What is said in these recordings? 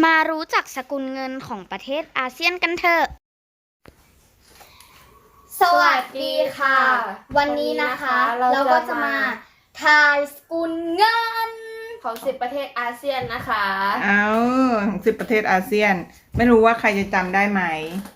มารู้จักสกุลเงินของประเทศอาเซียนกันเถอะสวัสดีค่ะ วันนี้นะคะเราก็จะมาทายสกุลเงินของ10ประเทศอาเซียนนะคะของ10ประเทศอาเซียน ไม่รู้ว่าใครจะจำได้ไหม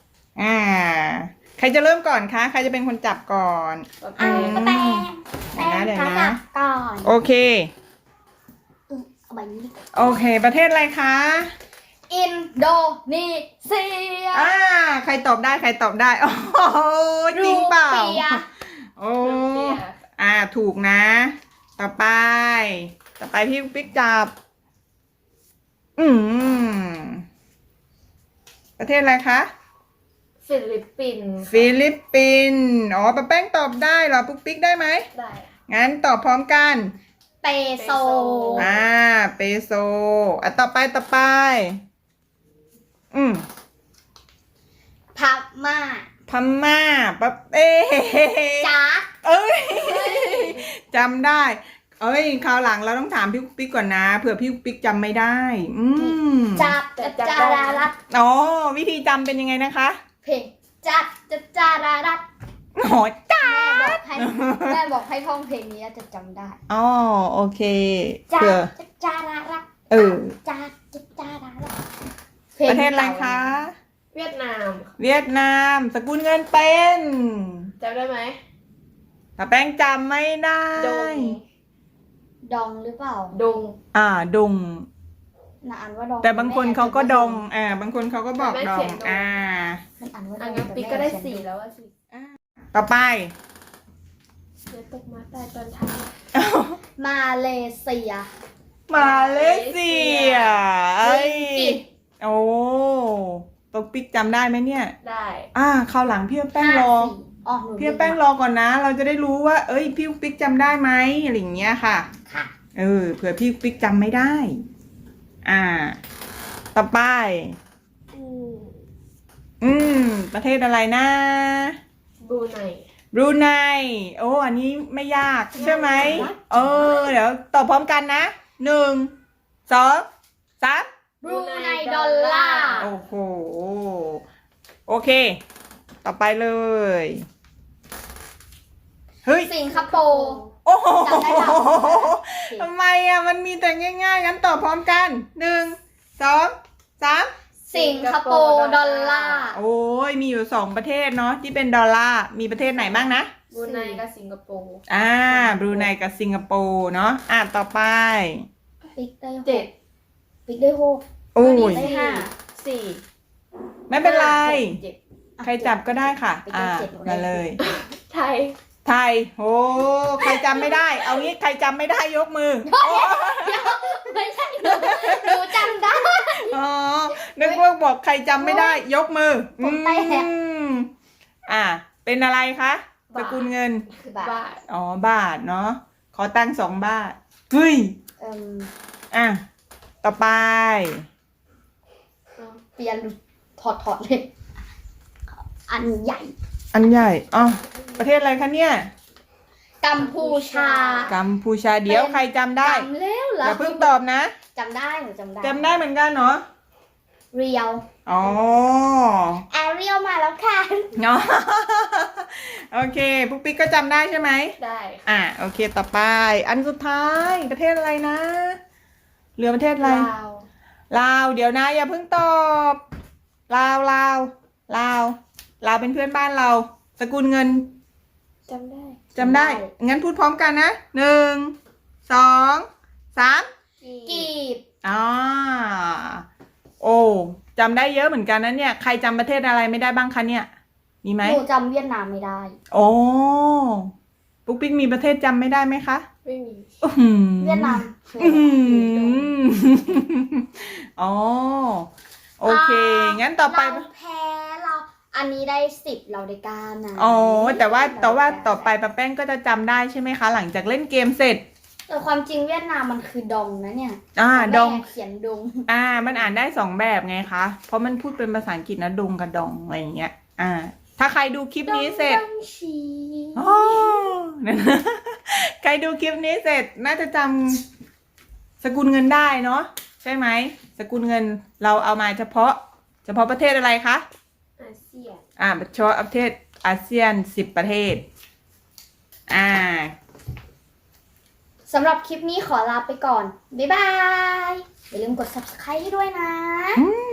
ใครจะเริ่มก่อนคะใครจะเป็นคนจับก่อนป้าแตงเดี๋ยวนะจับก่อนโอเคเอาใบนี้โอเค ประเทศอะไรคะอินโดนีเซียใครตอบได้ใครตอบได้โอ้โหจริงเปล่ารูปียโอ้ถูกนะ ต่อไปพี่ปิ๊กจับประเทศอะไรคะฟิลิปปินส์ฟิลิปปินส์ป้าแป้งตอบได้เหรอปุ๊กปิ๊กได้ไหมได้งั้นตอบพร้อมกันเปโซเปโซต่อไปพม่าพม่าปะจ๊าดเอ้ยจำได้คราวหลังเราต้องถามพี่ปิ๊กก่อนนะเผื่อพี่ปิ๊กจำไม่ได้จับจารารัตวิธีจำเป็นยังไงนะคะเพลงจับจารารัตจ้าแม่บอกให้ท่องเพลงนี้จะจำได้โอเคจับเผื่อจารารัต จับจารารัตประเทศอะไรคะเวียดนามเวียดนามสกุลเงินเป็นจำได้ไหมป้าแป้งจำไม่ได้ดงดองหรือเปล่าดงดงน่าอ่านว่าดองแต่บางคนเขาก็ดงบางคนเขาก็บอกดองมันอ่านว่าดอัองงั้นปิ๊กก็ได้4แล้วสิต่อไปเดี๋ยวตกมาใต้ตอนท้ายมาเลเซียมาเลเซียตกปิ๊กจำได้ไหมเนี่ยได้คราวหลังพี่แป้งรอพี่แป้งรอก่อนนะ เราจะได้รู้ว่าพี่ปิ๊กจำได้ไหมอะไรอย่างเงี้ยค่ะค่ะเผื่อพี่ปิ๊กจำไม่ได้ ต่อไปประเทศอะไรนะบรูไนบรูไนอันนี้ไม่ยากใช่ไหมเดี๋ยวตอบพร้อมกันนะ1 2 3 บรูไนดอลลาร์โอ้โหโอเค ต่อไปเลยสิงคโปร์โอ้โหจำได้เปล่าทำไมมันมีแต่ง่ายๆงั้นตอบพร้อมกัน1 2 3 สิงคโปร์ดอลลาร์มีอยู่2ประเทศเนาะที่เป็นดอลลาร์มีประเทศไหนบ้างนะบรูไนกับสิงคโปร์บรูไนกับสิงคโปร์เนาะต่อไปปิ๊กได้ 7 ปิ๊กได้6 ได้ห้า 4 ไม่เป็นไร 7 ใครจับก็ได้ค่ะไปได้เจ็ดมาเลยไทยไทยใครจำไม่ได้ เอางี้ใครจำไม่ได้ยกมือไม่ใช่หนูจำได้นึกว่าบอกใครจำไม่ได้ยกมือผมแตกเป็นอะไรคะสกุลเงินคือบาทบาทบาทเนาะขอตั้ง2 บาทเฮ้ยต่อไปเปลี่ยนถอดเลยอันใหญ่อันใหญ่ประเทศอะไรคะเนี่ยกัมพูชากัมพูชาเดี๋ยวใครจำได้จำแล้วเหรออย่าเพิ่งตอบนะจำได้หนูจำได้จำได้เหมือนกันเนาะเรียว แอเรียลมาแล้วค่ะเนาะโอเคปุ๊กปิ๊กก็จำได้ใช่ไหมได้โอเคต่อไป อันสุดท้ายประเทศอะไรนะเหลือประเทศอะไรลาวเดี๋ยวนะอย่าเพิ่งตอบลาวเป็นเพื่อนบ้านเราสกุลเงินจำได้จำได้งั้นพูดพร้อมกันนะ1 2 3 กีบจำได้เยอะเหมือนกันนะเนี่ยใครจำประเทศอะไรไม่ได้บ้างคะเนี่ยมีไหมหนูจำเวียดนามไม่ได้ปุ๊กปิ๊กมีประเทศจำไม่ได้ไหมคะไม่มีเวียดนามโอเคงั้นต่อไปเราแพ้เราอันนี้ได้10เราได้9นะแต่ว่าต่อไปป้าแป้งก็จะจำได้ใช่ไหมคะ หลังจากเล่นเกมเสร็จแต่ความจริงเวียดนามมันคือดองนะเนี่ยดองแม่เขียนดงมันอ่านได้2 แบบไงคะเพราะมันพูดเป็นภาษาอังกฤษนะดงกับดองอะไรอย่างเงี้ยถ้าใครดูคลิปนี้เสร็จดองชีใครดูคลิปนี้เสร็จน่าจะจำสกุลเงินได้เนาะใช่ไหมสกุลเงินเราเอามาเฉพาะประเทศอะไรคะอาเซียนเฉพาะประเทศอาเซียน10 ประเทศสำหรับคลิปนี้ขอลาไปก่อน บ๊ายบาย อย่าลืมกด subscribe ให้ด้วยนะอืม